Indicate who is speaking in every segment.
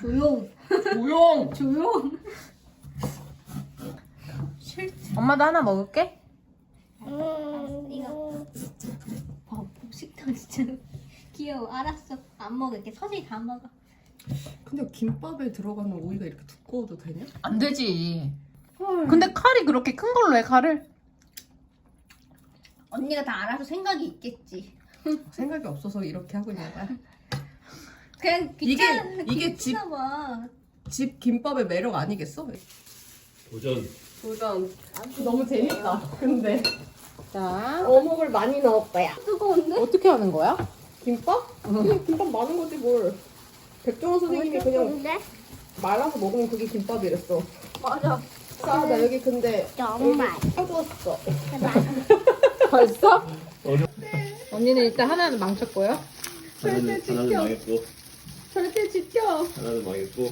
Speaker 1: 조용.
Speaker 2: 조용.
Speaker 1: 조용.
Speaker 3: 엄마도 하나 먹을게.
Speaker 1: 이거. 복식탕 진짜 귀여워. 알았어. 안 먹을게. 서진이 다 먹어.
Speaker 2: 근데 김밥에 들어가는 오이가 이렇게 두꺼워도 되냐?
Speaker 3: 안 되지. 근데 칼이 그렇게 큰 걸로 해, 칼을?
Speaker 1: 언니가 다 알아서 생각이 있겠지.
Speaker 2: 생각이 없어서 이렇게 하고 있는 거야.
Speaker 1: 그냥
Speaker 2: 이게
Speaker 1: 귀찮아 봐.
Speaker 2: 집 김밥의 매력 아니겠어?
Speaker 4: 도전.
Speaker 2: 도전. 너무 재밌다. 근데
Speaker 3: 자,
Speaker 2: 어묵을 많이 넣을 거야.
Speaker 1: 뜨거운데?
Speaker 3: 어떻게 하는 거야?
Speaker 2: 김밥? 그냥 김밥 많은 거지 뭘. 백종원 선생님이 그냥
Speaker 1: 뜨거운데?
Speaker 2: 말아서 먹으면 그게 김밥이랬어.
Speaker 1: 맞아.
Speaker 2: 자, 나 여기 근데
Speaker 1: 정말.
Speaker 2: 펴줬어.
Speaker 3: 벌써? 언니는 일단 하나는 망쳤고요.
Speaker 4: 하나는 망했고,
Speaker 2: 절대 지켜.
Speaker 4: 하나는 망했고.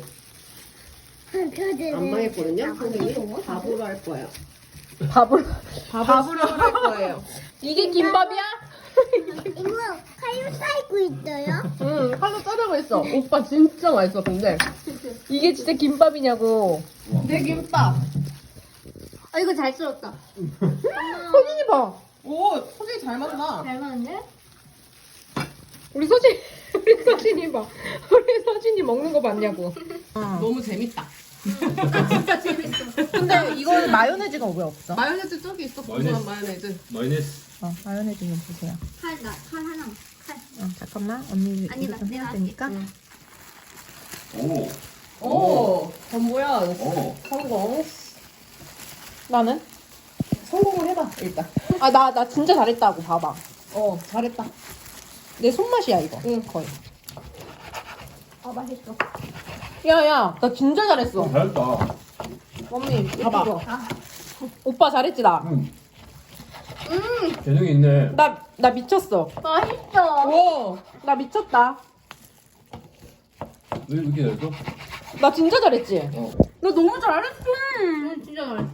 Speaker 2: 안 망했거든요? 선생님 밥으로 할 거예요.
Speaker 3: 밥을
Speaker 2: 밥으로 할 거예요.
Speaker 3: 이게 김밥이야?
Speaker 1: 이모 칼로 쌓이고 있어요?
Speaker 2: 응, 칼로 자르고 있어. 오빠 진짜 맛있어, 근데.
Speaker 3: 이게 진짜 김밥이냐고.
Speaker 2: 내 김밥.
Speaker 1: 아 이거 잘 썰었다.
Speaker 3: 서진이 봐.
Speaker 2: 오, 소리 잘 맞나?
Speaker 1: 잘 맞는데?
Speaker 3: 우리 서진이 봐. 우리 서진이 먹는 거 봤냐고.
Speaker 2: 너무 재밌다.
Speaker 1: 진짜 재밌어.
Speaker 3: 근데 이거 마요네즈가 왜 없어?
Speaker 2: 마요네즈 저기 있어, 고소한 마요네즈.
Speaker 4: 마이너스.
Speaker 3: 마요네즈 좀 주세요.
Speaker 1: 칼 하나. 칼.
Speaker 3: 잠깐만. 언니
Speaker 1: 아니,
Speaker 3: 이거 좀
Speaker 1: 내가
Speaker 3: 해야
Speaker 1: 할게.
Speaker 3: 되니까.
Speaker 4: 오.
Speaker 2: 오, 전보야.
Speaker 4: 오.
Speaker 2: 성공.
Speaker 3: 나는?
Speaker 2: 성공을 해봐, 일단.
Speaker 3: 나 진짜 잘했다고 봐봐.
Speaker 2: 잘했다.
Speaker 3: 내 손맛이야 이거.
Speaker 2: 응.
Speaker 3: 거의.
Speaker 1: 아 맛있어.
Speaker 3: 야야, 나 진짜 잘했어.
Speaker 4: 잘했다.
Speaker 3: 언니 봐봐.
Speaker 1: 아.
Speaker 3: 오빠 잘했지 나.
Speaker 4: 응. 재능이 있네.
Speaker 3: 나 미쳤어.
Speaker 1: 맛있어.
Speaker 3: 오, 나 미쳤다.
Speaker 4: 왜 이렇게 잘했어?
Speaker 3: 나 진짜 잘했지.
Speaker 4: 어.
Speaker 3: 나 너무 잘했어.
Speaker 1: 진짜 잘했어.